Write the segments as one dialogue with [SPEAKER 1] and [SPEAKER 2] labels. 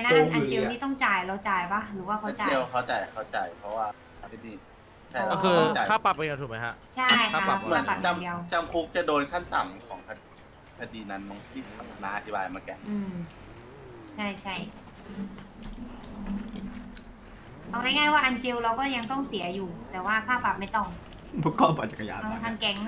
[SPEAKER 1] งั้นอันเจลนี่ต้องจ่ายเราจ่ายปะหรือว่าเขาจ่าย
[SPEAKER 2] เดียวเขาจ่ายเพราะว่าที่นี่ใช่
[SPEAKER 3] ก็คือ
[SPEAKER 2] ต้องจ่าย
[SPEAKER 3] ค่าปรับไปถูกไหมฮะ
[SPEAKER 1] ใช่ค่ะ
[SPEAKER 3] ค่าปรับ
[SPEAKER 2] เหมือน
[SPEAKER 1] ค่าปรับอย่างเดียว
[SPEAKER 2] จำคุกจะโดนขั้นต่ำของคดีนั้นมั้งที่นาอธิบายมาแก
[SPEAKER 1] ใช่ใช่เอาง่ายๆว่าอันเจลเราก็ยังต้องเสียอยู่ แต่ว่าค่าปรับไม่ต้อง
[SPEAKER 4] พวกก็ปั่นจักรยาน
[SPEAKER 1] เอา
[SPEAKER 4] มา
[SPEAKER 1] ทางแก๊ง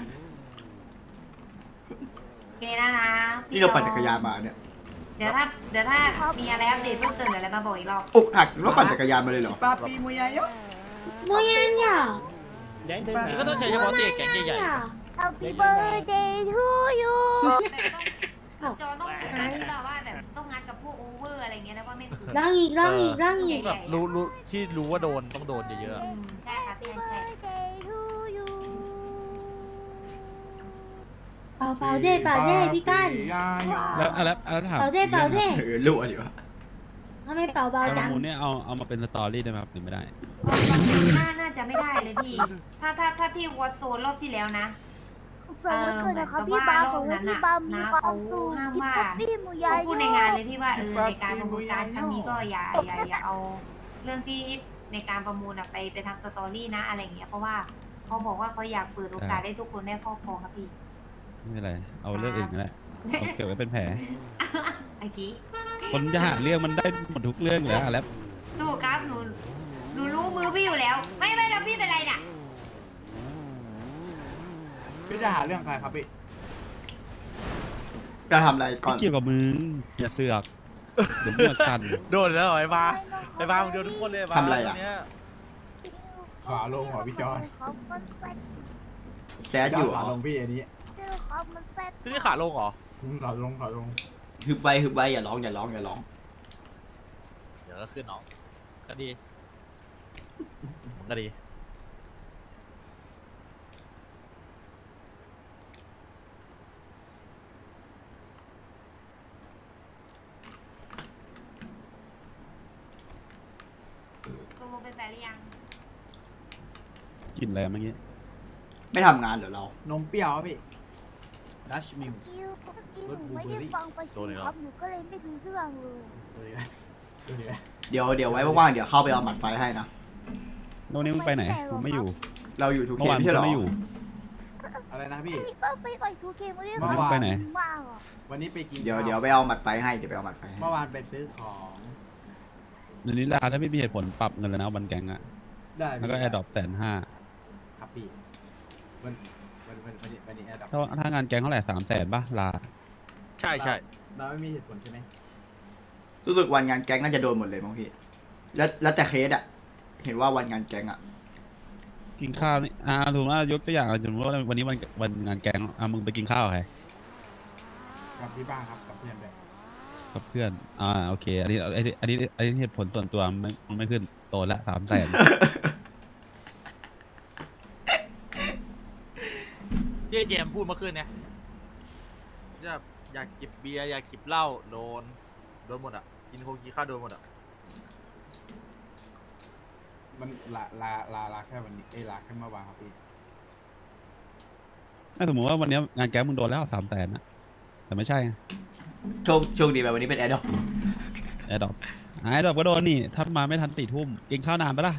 [SPEAKER 1] โอเคนะ
[SPEAKER 4] นี่เราปั่นจักรยานมาเนี่ย
[SPEAKER 1] เดี๋ยวถ้ามีอะไรอัปเดตเพิ่มเติมเดี๋ยวอะไรมาบอกอีกรอบ
[SPEAKER 4] อกหักหรือว่าปั่นจักรยานมาเลยเหรอ
[SPEAKER 5] Papi muy allá.
[SPEAKER 6] Muy allá.
[SPEAKER 3] นี่ก็ต้องใช้เฉพาะตีแก๊งใหญ่
[SPEAKER 6] Happy birthday to you.
[SPEAKER 1] แบบจอต้องงัดที่เราว่าแบบต้องงัดกับพวกโอเวอร์อะไรเงี้ยแล้วก็ไม่ถูก
[SPEAKER 6] Rangi.
[SPEAKER 3] ๆแบบรู้ที่รู้ว่าโดนต้องโดนเยอะ
[SPEAKER 1] ใช่ครับใช่ใช่
[SPEAKER 6] Birthday to you. เป่าเด้พี่ก้าน
[SPEAKER 7] แล้วถาม
[SPEAKER 6] เป่าเด้
[SPEAKER 4] รู้อ่ะดิวะ
[SPEAKER 6] ทำไมเป่าเบา
[SPEAKER 7] ประ
[SPEAKER 6] จัง
[SPEAKER 7] มูลเนี่ยเอามาเป็นสตอรี่ได้ไหมครับหรือไม่ได้
[SPEAKER 1] น่าจะไม่ได้เลยพี่ ถ้าที่วอตโซนรอบที่แล้วนะ
[SPEAKER 6] สวัสดีนะครับพี่บาของพี่บามีความสุขที่ป๊อปปี้มูยา
[SPEAKER 1] เขาพูดในงานเลยพี่ว่าในการประมูลการครั้งนี้ก็อย่าเอาเรื่องที่ในการประมูลไปทำสตอรี่นะอะไรเงี้ยเพราะว่าเขาบอกว่าเขาอยากเปิดโอกาสให้ทุกคนได้ครอบครองครับพี่
[SPEAKER 7] ไม่เป็นไร เอาเรื่องอื่นก็ได้เอาเก็บไว้เป็นแผล
[SPEAKER 1] ไอ้กี้
[SPEAKER 7] คนจะหาเรื่องมันได้หมดทุกเรื่องอยู่แล้วแล้ว
[SPEAKER 1] ถูกครับหนูรู้มือพี่อยู่แล้ว ไม่แล้วพี่เป็นไรน่ะ
[SPEAKER 5] พี่จะหาเรื่องใครครับพี่
[SPEAKER 4] จะทำอะไรก่อน
[SPEAKER 7] ไม่เกี่ยวกับมึงอย่าเสือกเดี๋ยวมึงมาชัน
[SPEAKER 3] ๆโดนแล้วเหรอไอ้บ้ามึงโดนทุกคนเลยบ้า
[SPEAKER 4] ทำอะไรอ่ะ
[SPEAKER 3] เนี้ย
[SPEAKER 5] ขวาลงเหรอพี่จอน
[SPEAKER 4] แซดอยู่เหร
[SPEAKER 5] ขวา
[SPEAKER 4] อ
[SPEAKER 5] ลงพี่อันนี้
[SPEAKER 3] ที่นี่ขาลงเหรอ
[SPEAKER 5] ขวาลง
[SPEAKER 4] ฮึบไว้อย่าร้อง
[SPEAKER 3] เดี๋ยวก็ขึ้นน้องก็ดีมันก็ดี
[SPEAKER 1] ตกลงเป็นแฟนหรือยัง
[SPEAKER 7] กินอะไรเมื่อกี้
[SPEAKER 4] ไม่ทำงานเหรอเรา
[SPEAKER 5] นมเปรี้ยวครับพี่ดัชมิล
[SPEAKER 6] ไม่ได้ฟังประชุมครับหนูก็เลยไม่รู้เรื่องเลย
[SPEAKER 5] ดูดิ
[SPEAKER 4] เดี๋ยวไว้ว่างๆเดี๋ยวเข้าไปเอาหมัดไฟให้นะ
[SPEAKER 7] โน่นนี่มึงไปไหนมึงไม่อยู่
[SPEAKER 4] เราอยู่ทูเค
[SPEAKER 7] เมื่อวาน
[SPEAKER 4] ไม่
[SPEAKER 7] มึง
[SPEAKER 4] ใช่เหรอ
[SPEAKER 7] ก็ไม่อยู่
[SPEAKER 5] อะไรนะพี่
[SPEAKER 6] นี่ก็ไปต่อยทูเกมไม่ได้
[SPEAKER 7] วันนี้ไปไหน
[SPEAKER 6] มากอ่ะ
[SPEAKER 5] วันนี้ไปกิน
[SPEAKER 4] เดี๋ยวไปเอาหมัดไฟให้เดี๋ยวไปเอาหมัดไฟให้
[SPEAKER 5] เมื่อวานไปซื้อของ
[SPEAKER 7] เดี๋ยวนี้ลาถ้าไม่มีเหตุผลปรับเงินแล้วนะวันแกงอะ
[SPEAKER 5] ได้
[SPEAKER 7] แล้วก็แอร์ดรอป150,000
[SPEAKER 5] ครับพี่วันนี้แอร์ดับ
[SPEAKER 7] ถ้างานแกงเท่าไหร่300,000ป่ะลา
[SPEAKER 3] ใช่ใช่
[SPEAKER 5] เราไม่มีเหตุผลใช่ไหม
[SPEAKER 4] รู้สึกวันงานแก๊งน่าจะโดนหมดเลยมั้งพี่แล้วแต่เคสอะเห็นว่าวันงานแก๊งอะ
[SPEAKER 7] กินข้าวนี่ถูกว่ายกตัวอย่างสมมติว่าวันนี้วันงานแกงมึงไปกินข้าวกับใคร
[SPEAKER 5] กับพี่บ้างครับกับเพื่อนด้วย
[SPEAKER 7] กับเพื่อนโอเคอันนี้เหตุผลส่วนตัวมันไม่ขึ้นโตละ300,000
[SPEAKER 3] ที่ไอ้เจมส์พูดเมื่อคืนเนี่ยอยากจิบเบียร์อยากจิบเหล้าโดนหมดอ่ะกินโคกินข้าวโดนหมดอ่ะ
[SPEAKER 5] มันลาแค่วันนี้ลาแค่เมื่อวานครับพี่
[SPEAKER 7] ถ้าสมมติว่าวันนี้งานแกงมึงโดนแล้ว300,000นะแต่ไม่ใช่
[SPEAKER 4] โชคดีแบบวันนี้เป็นแอร์ดอก
[SPEAKER 7] แอร์ดรอปก็โดนนี่ถ้ามาไม่ทัน4 ทุ่มกินข้าวนานปะล่ะ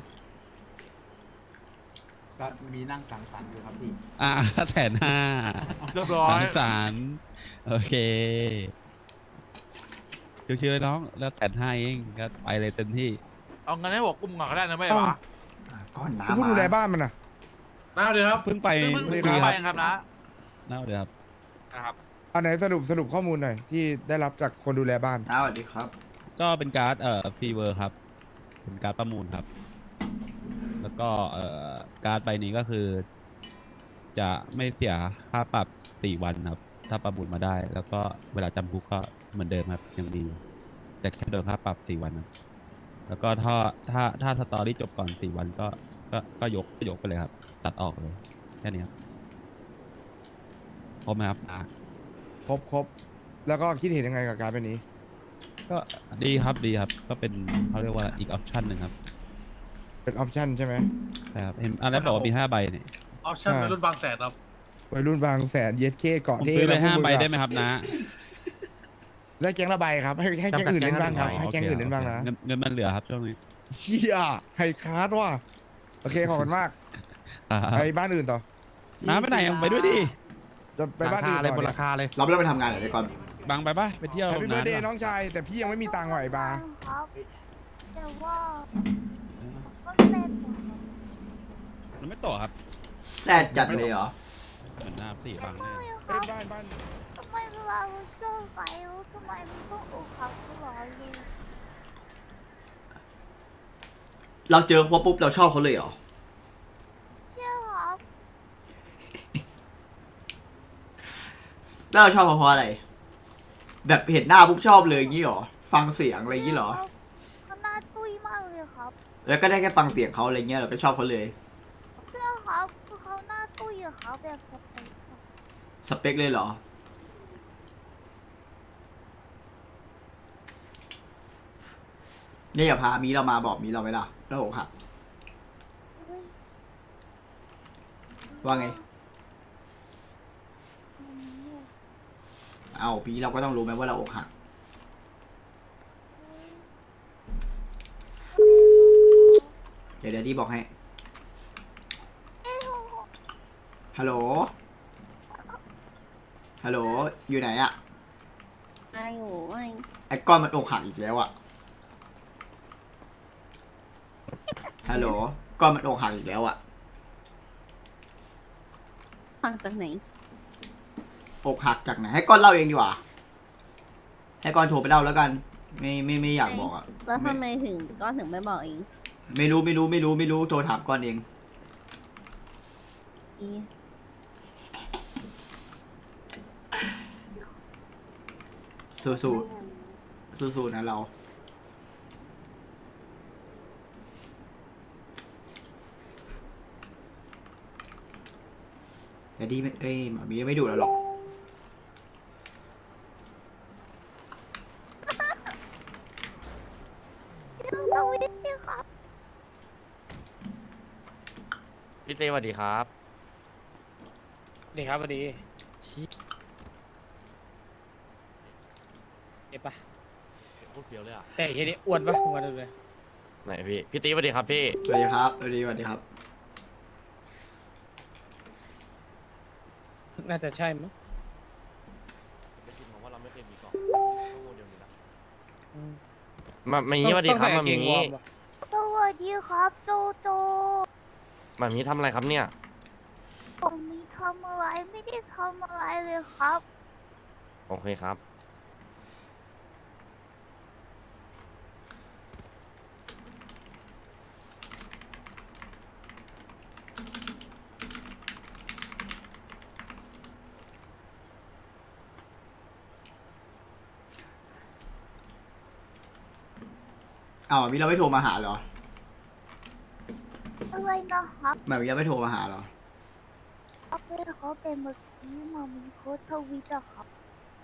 [SPEAKER 5] ก็มีนั่งสังสรรค์อยู่ครับพี่
[SPEAKER 7] 150,000
[SPEAKER 3] เรียบร้อย
[SPEAKER 7] สังสรรค์โอเคชิวๆเลยน้องแล้ว150,000เองก็ไปเลยเต็มที่
[SPEAKER 3] เอาเงินให้หัวกุ้มก่อนก็ได้นะไม่วะ
[SPEAKER 4] ก้อน
[SPEAKER 8] คุณ
[SPEAKER 4] น้ำ
[SPEAKER 8] ผู้ดูแล
[SPEAKER 4] มา
[SPEAKER 8] บ้านมันนะ
[SPEAKER 3] น้าเดี๋ยวครับ
[SPEAKER 7] เพิ่งไป
[SPEAKER 3] เพิ่ง
[SPEAKER 7] เมื่อ
[SPEAKER 3] ไป
[SPEAKER 7] กี้ครับ
[SPEAKER 3] ครับนะ
[SPEAKER 7] น่าเดี๋ยวครับ
[SPEAKER 3] นะครับ
[SPEAKER 8] อันไหนสรุปข้อมูลหน่อยที่ได้รับจากคนดูแลบ้าน
[SPEAKER 4] สวัสดีครับ
[SPEAKER 7] ก็เป็นการ์ดฟรีเวอร์ครับเป็นการ์ดประมูลครับ แล้วก็การ์ดใบนี้ก็คือ จะไม่เสียค่าปรับ4 วันครับ ถ้าประมูลมาได้ แล้วก็เวลาจำคุกก็เหมือนเดิมครับยังมีแต่แค่โดนค่าปรับ4 วันครับแล้วก็ถ้าสตอรี่จบก่อน4 วันก็ยกไปเลยครับ ตัดออกเลยแค่นี้ครับพร้อมไหมครับ
[SPEAKER 8] ครบ แล้วก็คิดเห็นยังไงกับการเป็นนี้
[SPEAKER 7] ก็ดีครับก็เป็นเขาเรียกว่าอีกออปชันหนึ่งครับ
[SPEAKER 8] เป็นออปชั่นใช่ไหม
[SPEAKER 7] ใช่ครับเห็นอะไรบอกว่ามี5 ใบเนี่ย
[SPEAKER 3] ออปชั่น
[SPEAKER 8] ใช่
[SPEAKER 3] วัยรุ่นบางแสนครับ
[SPEAKER 8] วัยรุ่นบางแสนเย็ดเคเกาะ
[SPEAKER 7] ผม
[SPEAKER 8] เท่
[SPEAKER 7] ซื้อไป
[SPEAKER 8] นะ
[SPEAKER 7] 5 ใบได้ไหม
[SPEAKER 8] พู
[SPEAKER 7] ครับนะ
[SPEAKER 8] และแก๊งละใบครับให้แก๊งอื่นเล่นบ้างครับให้แก๊งอื่นเล่นบ้างนะ
[SPEAKER 7] เงินมันเหลือครับช่วงนี้
[SPEAKER 8] เชี่ยไฮคาร์ดว่ะโอเคขอบคุณมาก
[SPEAKER 7] อ่า
[SPEAKER 8] ไปบ้านอื่นต่อ
[SPEAKER 7] น้าไปไหนอะไปด้วยดิ
[SPEAKER 8] จะไปบ้านอื่น
[SPEAKER 3] เลย
[SPEAKER 8] ต่อบ
[SPEAKER 3] น
[SPEAKER 8] เนี่
[SPEAKER 3] ราย คาเลย
[SPEAKER 4] เราไม่ต้องไปทำงานเหรอไอ้ก่อน
[SPEAKER 7] บังไปปะไปเที่ยว
[SPEAKER 8] แฮปปี้เบิร์ดเดย์
[SPEAKER 7] นะ
[SPEAKER 8] น้องชายแต่พี่ยังไม่มีตังค์ว่ะไอ้บาร์
[SPEAKER 6] ครับแต่ว่าก็เซ็นหมดครับ
[SPEAKER 7] มันไม่ต่อครับ
[SPEAKER 4] แซดจัดเลยเหรอ
[SPEAKER 7] เหมือนหน้าสี่บัง
[SPEAKER 6] ไม่
[SPEAKER 7] เนี่ย
[SPEAKER 6] ครั
[SPEAKER 8] เล่
[SPEAKER 6] บ
[SPEAKER 8] นบ้าน
[SPEAKER 6] ทำไมเวลาเราเจอไปแล้วทำไมมันต้องอกหักตลอดเลย
[SPEAKER 4] เราเจอเขาปุ๊บเราชอบเขาเลยเหรอ
[SPEAKER 6] เชื่อครับ
[SPEAKER 4] แล้วเราชอบเขาเพราะอะไร แบบเห็นหน้าปุ๊บชอบเลยอย่างงี้เหรอ ฟังเสียงอะไรอย่างงี้เหรอ
[SPEAKER 6] เขาหน้าตุ้ยมากเลยครับ
[SPEAKER 4] แล้วก็ได้แค่ฟังเสียงเขาอะไรเงี้ยเราก็ชอบเขาเลย
[SPEAKER 6] เชื่อครับคือเขาหน้าตุ้ยอะครับแบบสเปคครับ
[SPEAKER 4] สเปคเลยเหรอ เนี่ยอย่าพามีเรามาบอกมีเราไว้ล่ะแล้วอกหัก
[SPEAKER 6] เฮ้ย
[SPEAKER 4] ว่าไง
[SPEAKER 6] อืม
[SPEAKER 4] เอาปีเราก็ต้องรู้ไหมว่าเราอกหัก เดี๋ยวดีบอกให้
[SPEAKER 6] เอ้ยโห
[SPEAKER 4] ฮัลโหล ฮัลโหล อยู่ไหนอะ
[SPEAKER 9] อายุไอ้
[SPEAKER 4] ไอ้ก้อนมันอกหักอีกแล้วอะฮัลโหล ก้อนมันอกหักอีกแล้วอะ
[SPEAKER 9] ฟังจากไหน
[SPEAKER 4] อกหักจากไหน ให้ก้อนเล่าเองดีกว่า ให้ก้อนโทรไปเล่าแล้วกัน ไม่อยากบอกอะ
[SPEAKER 9] แล้วทำไมถึงก็ถึงไม่บอกเอง
[SPEAKER 4] ไม่รู้โทรถามก้อนเอง
[SPEAKER 9] อี
[SPEAKER 4] สู้ๆนะเรา แต่ดีไม่หมามีไม่ดูแล้วหรอก
[SPEAKER 6] เชื่อเราวิทย์ครับ
[SPEAKER 10] พี่เต้สวัสดีครับ
[SPEAKER 5] นี่ครับพอดีเก็บปะ
[SPEAKER 10] พูดเฟี้ยวเลยอ่ะ
[SPEAKER 5] แต่เฮียนี่อ้วนปะมาดูเลย
[SPEAKER 10] ไหนพี่ตีสวัสดีครับพี่
[SPEAKER 4] สวัสดีครับ สวัสดีครับ
[SPEAKER 5] น่าจะใช่มั้ง
[SPEAKER 10] ไม่คิดว่าเราไม่เคยมีกล่องข้อมูลเดียวนี้นะมามีสวัสดีครับ
[SPEAKER 5] ต้อง
[SPEAKER 10] มา
[SPEAKER 5] ใส่กง
[SPEAKER 10] มี
[SPEAKER 5] วอร์มวะ
[SPEAKER 6] สวัสดีครับโจโจ
[SPEAKER 10] มามีทำอะไรครับเนี่ย
[SPEAKER 6] ผมมีทำอะไรไม่ได้ทำอะไรเลยครับ
[SPEAKER 10] โอเคครับ
[SPEAKER 4] อ้าวหมามีเราไม่โทรมาหาเหรอ
[SPEAKER 6] อะไรนะครับ
[SPEAKER 4] หมามีเราไม่โทรมาหาเหรอ
[SPEAKER 6] โอเคเขาเป็นเมื่อกี้มามีโค้ดทวิตอะครับ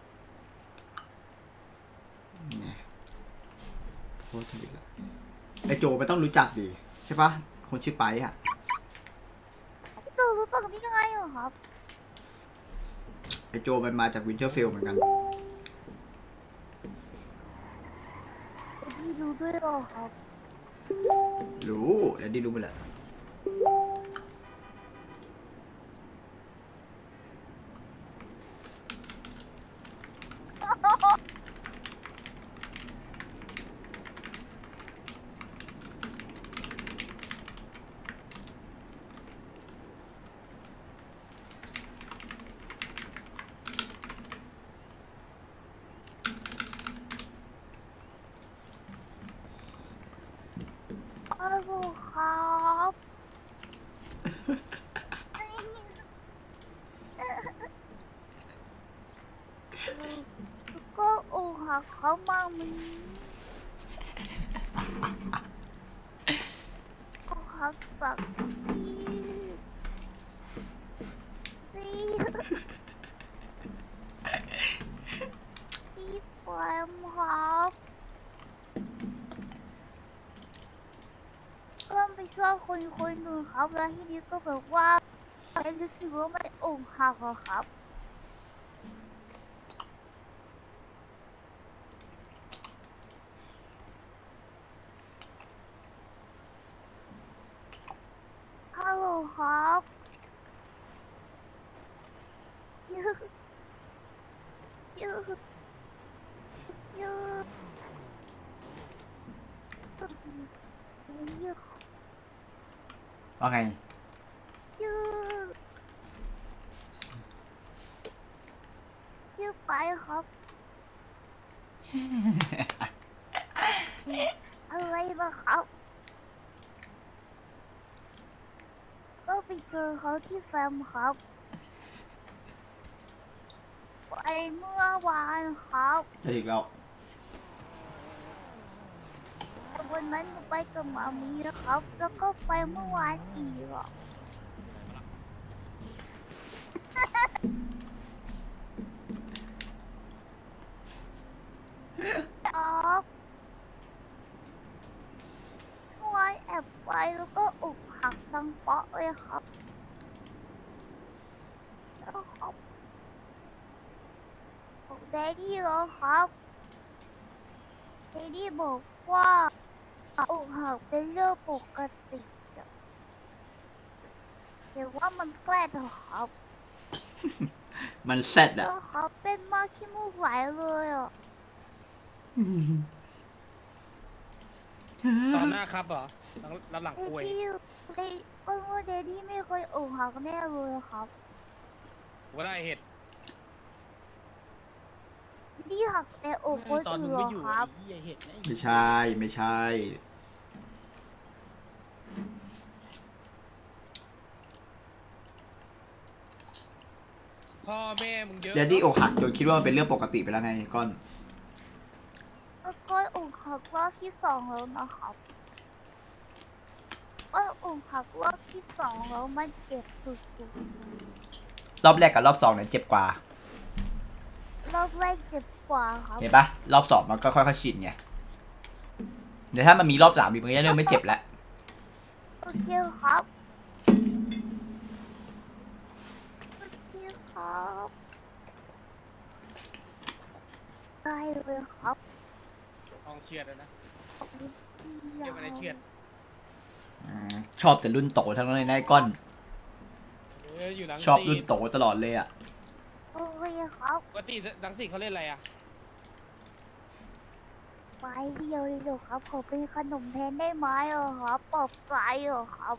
[SPEAKER 4] เนี่ยโคตรทวิตละไอโจมันต้องรู้จักดีใช่ปะคนชื่อไปอะ
[SPEAKER 6] พี่โจรู้จักได้ยังไงเหรอครับ
[SPEAKER 4] ไอโจมันมาจากวินเทอร์เฟลเหมือนกัน
[SPEAKER 6] พี่รู้ด้วยเหรอครับ
[SPEAKER 4] รู้แล้วดีรู้ไปแหละ
[SPEAKER 6] อ้าวครับ ก็อกหักเขามากมันอกหักจากพี่แฟมครับเริ่มไปชอบคนหนึ่งครับแล้วทีนี้ก็แบบว่ารู้สึกว่ามันอกหักอะครับชื่อชื่อชื่อ
[SPEAKER 4] ว่าไง
[SPEAKER 6] ชื่อไปครับ อะไรนะครับ ก็ไปเจอเขาที่แฟมครับไปเมื่อวานครับ
[SPEAKER 4] จะอีกแล้ว
[SPEAKER 6] แต่วันนั้นหนูไปกับหมามีนะครับ แล้วก็ไปเมื่อวานอีกอ่ะ ออกเมื่อวานแอบไปแล้วก็อกหักดังเปาะเลยครับแล้วครับบอกแดดดี้เหรอครับแดดดี้บอกว่าอกหักเป็นเรื่องปกติอะแต่ว่ามันแกล้งเหรอครับ
[SPEAKER 4] มันแซดอะ
[SPEAKER 6] แล้วครับเป็นมากขี้มูกไหลเลยอ่ะ
[SPEAKER 10] ตอนหน้าครับเหรอรับหลัง
[SPEAKER 6] เด
[SPEAKER 10] คุย
[SPEAKER 6] ดดี้ก็ว่าเดดดี้ไม่เคยอกหักแน่เลยครับ
[SPEAKER 10] ว่าได้เห็ด
[SPEAKER 6] ดี้หักแต่อกคน
[SPEAKER 10] ตอนมึ
[SPEAKER 6] อื่
[SPEAKER 10] ง
[SPEAKER 6] น
[SPEAKER 10] ไม่
[SPEAKER 6] เหร
[SPEAKER 10] อยู่
[SPEAKER 6] อครับ
[SPEAKER 10] ไอ้เหี้ยเห็ดนะ
[SPEAKER 4] ไม่ใช่ไม่ใช่
[SPEAKER 10] พ่อแม่มึงเยอะ
[SPEAKER 4] แดดดี้อกหักจนคิดว่ามันเป็นเรื่องปกติไปแล้วไงก้อน
[SPEAKER 6] ก็อกหักรอบที่สองแล้วนะครับก็อกหักรอบที่สองแล้วมันเจ็บสุด
[SPEAKER 4] รอบแรกกับรอบสองเนี่ยเจ็บกว่า
[SPEAKER 6] ๆรอบแรกเจ็บกว่าครับ
[SPEAKER 4] เห็นปะรอบสองมันก็ค่อยๆชินไงเดี๋ยวถ้ามันมีรอบสามอีกมันก็จะเริ่มไม่เจ็บแล้ว
[SPEAKER 6] โอเคครับโอเคครับได้เลยครับ
[SPEAKER 10] ต้องเชือดแล้วนะ
[SPEAKER 6] ขอบคุณ
[SPEAKER 10] เชือดไม่ได้เชือด
[SPEAKER 4] ชอบแต่รุ่นโตทั้งนั้นเลยนะไอ้ก้อน
[SPEAKER 10] อยู่หลัง
[SPEAKER 4] ชอบ
[SPEAKER 10] สี่
[SPEAKER 4] รุ่นโตตลอดเลยอ่ะ
[SPEAKER 6] โอเคครับ
[SPEAKER 10] ปกติหลังสี่เขาเล่นอะไรอ่ะ
[SPEAKER 6] ไปเดียวเลยเหรอครับขอเป็นขนมแทนได้ไหมเหรอครับปลอบใจเหรอครับ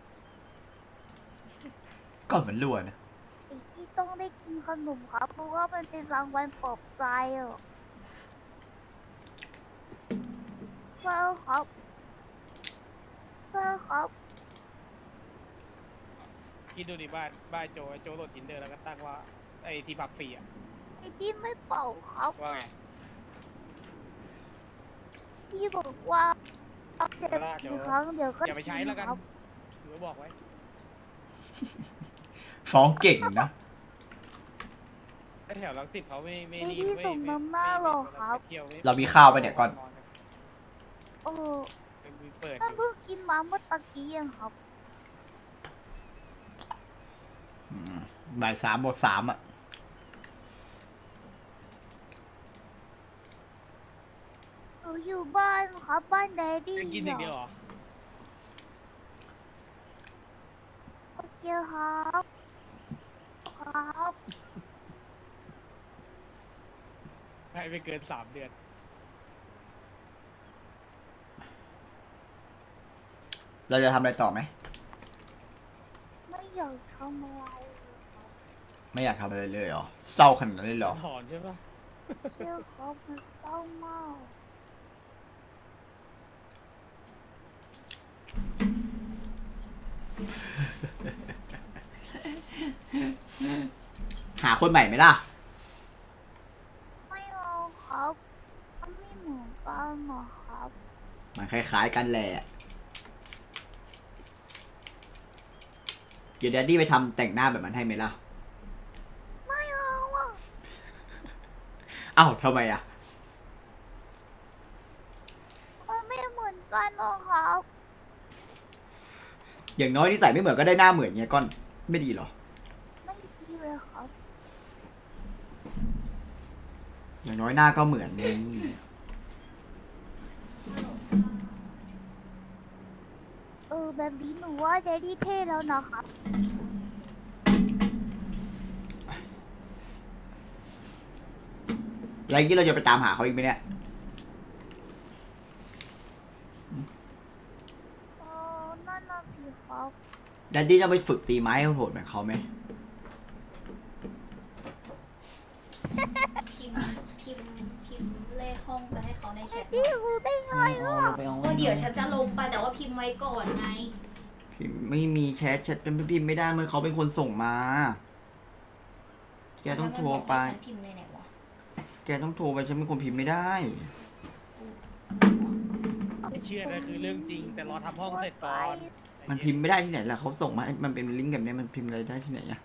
[SPEAKER 4] ก้อนเหมือนรั่วนะ
[SPEAKER 6] ไอ้ที่ต้องได้กินขนมครับเพราะว่ามันเป็นรางวัลปลอบใจเหรอเซอร์ครับเซอร์ครับ
[SPEAKER 10] คิดดูดิบ้านโจโหลดทินเดอร์แล้วก็ตั้งว่าไอ้ที่พักฟรีอ่ะ
[SPEAKER 6] ไอ้ที่ไม่เป่าครับ
[SPEAKER 10] ว่าไง
[SPEAKER 6] ที่บอกว่าเจ็บกี่ครั้งเดี๋ยวก็
[SPEAKER 10] อย่าไปใช้
[SPEAKER 6] ชิน
[SPEAKER 10] แล้วกัน
[SPEAKER 6] ครับ
[SPEAKER 10] หรือบอกไว้
[SPEAKER 4] ฟ้องเก่งนะ
[SPEAKER 10] ไอ้แถวหลังสิบเขาไม่
[SPEAKER 6] ไอ้ที่ส่งน้ำหน้าเหรอครับ
[SPEAKER 10] เที่ยวไม่
[SPEAKER 4] เรามีข้าวไปเนี่ยก่อน
[SPEAKER 6] โอ้
[SPEAKER 10] เปิด
[SPEAKER 6] ท่านเพิ่งกินมาเมื่อตะกี้เองครับ
[SPEAKER 4] บ่ายสามบทสามอ่ะ
[SPEAKER 6] อยู่บ้านครับบ้านแดดดี้
[SPEAKER 10] จะกินอย่างเดียวเหรอ
[SPEAKER 6] โอเคครับครับ
[SPEAKER 10] ให้ไปเกิน3 เดือน
[SPEAKER 4] เราจะทำอะไรต่อไหม
[SPEAKER 6] ไม่อยากทำอะไรเลย
[SPEAKER 4] ไม่อยากทำอะไรเลยเหรอ เศร้าขนาดนั้นเลยเหรอ
[SPEAKER 10] ถอนใช่ปะ
[SPEAKER 6] เชื่อครับมันเศร้ามาก
[SPEAKER 4] หาคนใหม่ไหมล่ะ
[SPEAKER 6] ไม่เอาครับมันไม่เหมือนกันหรอกครับ
[SPEAKER 4] มันคล้ายๆกันแหละ เดี๋ยวแดดดี้ไปทำแต่งหน้าแบบมันให้ไหมล่ะ
[SPEAKER 6] ไม่เอาอ่ะ
[SPEAKER 4] เอ้าทำไมอ่ะ
[SPEAKER 6] มันไม่เหมือนกันหรอกครับ
[SPEAKER 4] อย่างน้อยที่ใส่ไม่เหมือนก็ได้หน้าเหมือนไงก้อน ไม่ดีเหรอ
[SPEAKER 6] ไม่ดีเลยครับ
[SPEAKER 4] อย่างน้อยหน้าก็เหมือนนึง
[SPEAKER 6] แบบนี้หนูว่าแดดดี้เท่แล้วนะครับ
[SPEAKER 4] แล้วอย่างนี้เราจะไปตามหาเขาอีกไหมเนี่ย
[SPEAKER 6] นั่นน่ะสิครับ
[SPEAKER 4] ดัดดี้จะไปฝึกตีไม้โหดๆเหมือนเขาไหม
[SPEAKER 1] พิมพ์เลขห้องไปให้เขาในแชท
[SPEAKER 6] นี่รู้ได้ไงอ่ะ
[SPEAKER 1] ก็เดี๋ยวฉันจะลงไปแต่ว่าพิมพ์ไว้ก่อนไง
[SPEAKER 4] พิมพ์ไม่มีแชทเป็นพิมพ์ไม่ได้เมื่อเขาเป็นคนส่งมา แกต้องโทรไป
[SPEAKER 1] ฉันพิมพ์ในไหนวะ
[SPEAKER 4] แกต้องโทรไปฉันเป็นคนพิมพ์ไม่ได้
[SPEAKER 10] เชื่อนะคือเรื่องจริง แต่รอทำห้องเสร็จก่อน
[SPEAKER 4] มันพิมพ์ไม่ได้ที่ไหนล่ะเขาส่งมาให้มันเป็นลิงก์แบบนี้มันพิมพ์อะไรได้ที่ไหนอะ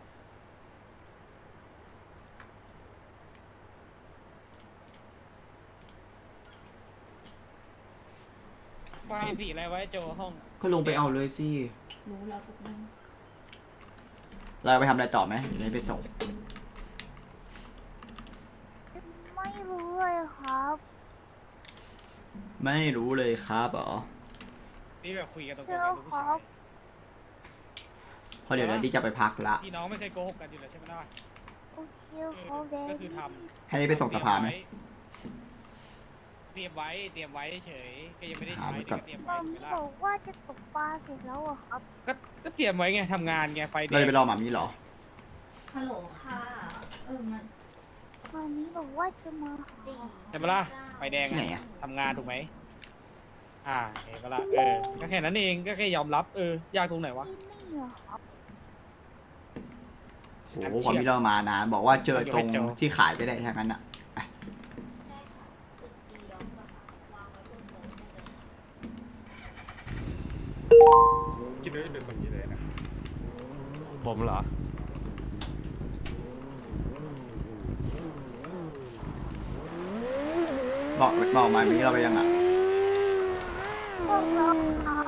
[SPEAKER 10] ไฟสีอะไรไว้โจห้อง
[SPEAKER 4] ก็ลงไปเอาเลยสิ
[SPEAKER 1] รู้แล้วทุกคน
[SPEAKER 4] เราไปทำอะไรต่อไหมเดี๋ยวนี้ไปส่ง
[SPEAKER 6] ไม่รู้เลยครับ
[SPEAKER 4] ไม่รู้เลยครับเหรอ
[SPEAKER 10] นี่แบบคุยกันตรงๆ
[SPEAKER 6] เชื่อ
[SPEAKER 10] กับผู้
[SPEAKER 6] ครั
[SPEAKER 10] ชาย
[SPEAKER 6] บ
[SPEAKER 4] เพราะเดี๋ยวดัดดี้จะไปพักละ
[SPEAKER 10] พี่น้องไม่เคยโกหกกันอยู่แล้วใช่ไหมล่ะ
[SPEAKER 6] โอเคครับเด
[SPEAKER 10] ก็
[SPEAKER 6] ด
[SPEAKER 10] คือ
[SPEAKER 6] ดี้
[SPEAKER 10] ท
[SPEAKER 4] ให้ไปส่งสภาไหม
[SPEAKER 10] เตรียมไว้เฉยก็ยังไม่ได้
[SPEAKER 4] หา
[SPEAKER 10] ใช้
[SPEAKER 4] ไว้ก่อน
[SPEAKER 10] เตรียม
[SPEAKER 6] ต
[SPEAKER 10] ไว้
[SPEAKER 6] อนนี้บอกว่าจะตกปลาเสร็จแล้วอะครับ
[SPEAKER 10] ก็เตรียมไว้ไงทำงานไงไฟแด
[SPEAKER 4] เรา
[SPEAKER 10] ง
[SPEAKER 4] จะไปรอหมามีเหรอ
[SPEAKER 1] ฮัลโหลค่ะมัน
[SPEAKER 6] ตอนนี้บอกว่าจะมาสี่
[SPEAKER 10] ใช่ไหมล่ะไฟแดง
[SPEAKER 4] ที่ไหนอะ
[SPEAKER 10] ทำงานถูกไหมเห็นปะล่ะก็แค่นั้นเองก็แค่ยอมรับยากตรงไหนวะ
[SPEAKER 6] ที่นี่อะครับ
[SPEAKER 4] โหความที่เรามานะบอกว่าเจอตรงที่ขายไปได้ทั้งนั้นอะ
[SPEAKER 1] ใช่ค่ะตึกดีล็อกอะค่ะวางไว้บนโต๊ะได้เลย
[SPEAKER 5] คิดว่าจะเป็นคนนี้เลยนะ
[SPEAKER 10] ผมเหรอ
[SPEAKER 4] บอกหมามีเราไปยังอะ
[SPEAKER 6] พวกเราครับ